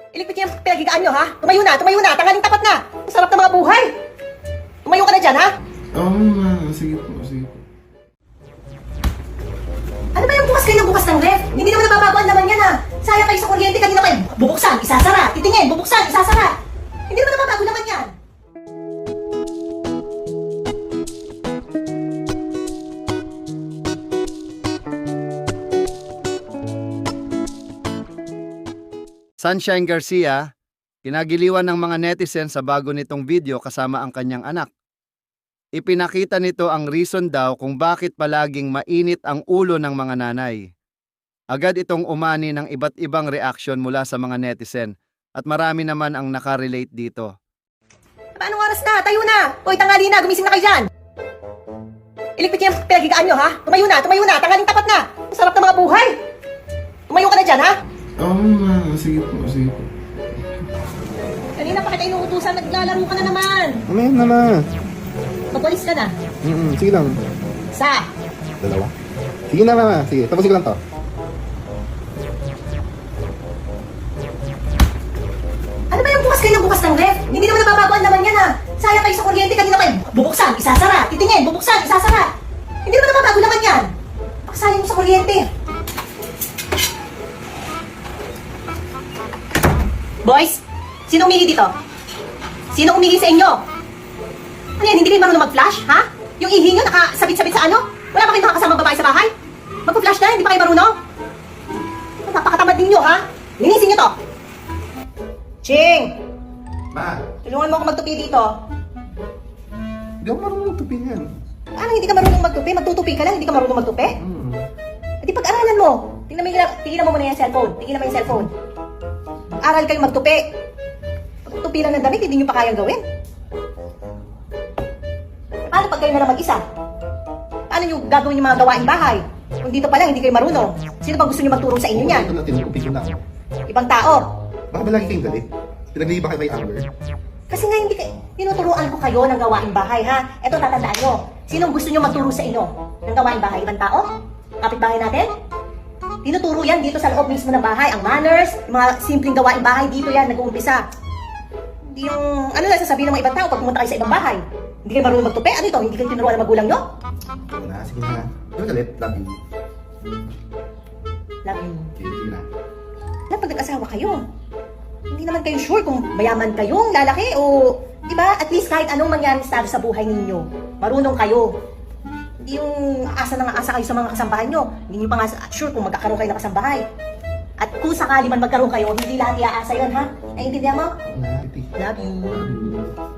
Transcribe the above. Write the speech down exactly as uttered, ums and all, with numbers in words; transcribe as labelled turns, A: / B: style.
A: Iligpit niyo yung pinagigaan nyo, ha? Tumayo na, tumayo na, tanggaling tapat na. Ang sarap ng mga buhay. Tumayo ka na dyan, ha?
B: Oo, ma'am. Sige po, sige po.
A: Ano ba yung bukas kayo ng bukas ng ref? Hindi naman nababago ang laman yan, ha? Sayang kayo sa kuryente, kanina kayo bubuksan, isasara. Titingin, bubuksan, isasara. Hindi naman nababago naman yan.
C: Sunshine Garcia, kinagiliwan ng mga netizen sa bago nitong video kasama ang kanyang anak. Ipinakita nito ang reason daw kung bakit palaging mainit ang ulo ng mga nanay. Agad itong umani ng iba't ibang reaksyon mula sa mga netizen at marami naman ang nakarelate dito.
A: Anong oras na? Tayo na! Hoy, tanghali na, gumising na kayo dyan! Iligpit niyo yung pinagigaan nyo, ha? Tumayo na, tumayo na, tanggaling tapat na! Ang sarap ng mga buhay! Tumayo ka na dyan, ha?
B: Oo, ma'am. Sige po, sige po.
A: Kanina pa kita inuutusan, naglalaro ka na naman!
B: Mamaya na na.
A: Magwalis ka na.
B: Mm-mm, sige lang.
A: Sa?
B: Dalawa? Sige na, mama. Sige, tapusin ko lang to.
A: Ano ba yung bukas kayo ng bukas ng ref? Hindi naman nababago ang laman yan, ha? Sayang kayo sa kuryente, kanina kayo bubuksan, isasara. Titingin, bubuksan, isasara. Hindi naman nababago naman yan. Pakasayang mo sa kuryente. Boys, sino umihi dito? Sino umihi sa inyo? Ano yan, hindi kayo marunong mag-flash, ha? Yung ihi nyo nakasabit-sabit sa ano? Wala pa kayong nakakasamang babae sa bahay? Mag-flash na, hindi pa kayo marunong? Napakatamad ninyo, ha? Linisin nyo to. Ching!
B: Ma,
A: Tulungan mo ako magtupi dito.
B: hindi ako marunong magtupi yan.
A: Ano hindi ka marunong magtupi? Magtutupi ka lang, hindi ka marunong magtupi?
B: Mm.
A: E di pag-aralan mo. Tingnan mo, yung, tingnan mo muna yung cellphone. Tingnan mo yung cellphone. Mag-aral kayo magtupi. Magtupi lang ng damit, hindi nyo pa kayang gawin. Paano pag kayo na lang mag-isa? Paano nyo gagawin yung mga gawain bahay? Kung dito pa lang, hindi kayo marunong. Sino ba gusto nyo magturo sa inyo niyan?
B: Ito na, tinutupi ko na.
A: Ibang tao.
B: Baka ba lagi kayong galit? Pinaglihi ba kayo kay Amber?
A: Kasi nga hindi kayo, tinuturuan ko kayo ng gawain bahay, ha? Eto, tatandaan nyo. Sinong gusto nyo magturo sa inyo ng gawain bahay? Ibang tao? Kapitbahay natin? Tinuturo yan dito sa loob mismo ng bahay. Ang manners, yung mga simpleng gawain bahay, dito yan nag-uumpisa. Hindi yung, ano lang sasabihin ng mga ibang tao pag pumunta kayo sa ibang bahay. Hindi kayo marunong magtupi? Ano ito? Hindi kayo tinuruan ng magulang nyo?
B: Sige na, sige na. Hindi mo galit? Love you.
A: Love you.
B: Sige, sige na.
A: Alam, pag nag-asawa kayo, hindi naman kayo sure kung mayaman kayong lalaki o, di ba, at least kahit anong mangyari sa sa buhay ninyo, marunong kayo. Hindi yung asa na nga asa kayo sa mga kasambahay nyo. Hindi nyo pa nga sure kung magkakaroon kayo ng kasambahay. At kung sakali man magkaroon kayo, hindi lahat iaasa yun, ha? Naiintindihan mo?
B: Na, titi.
A: Love you.
B: Love you.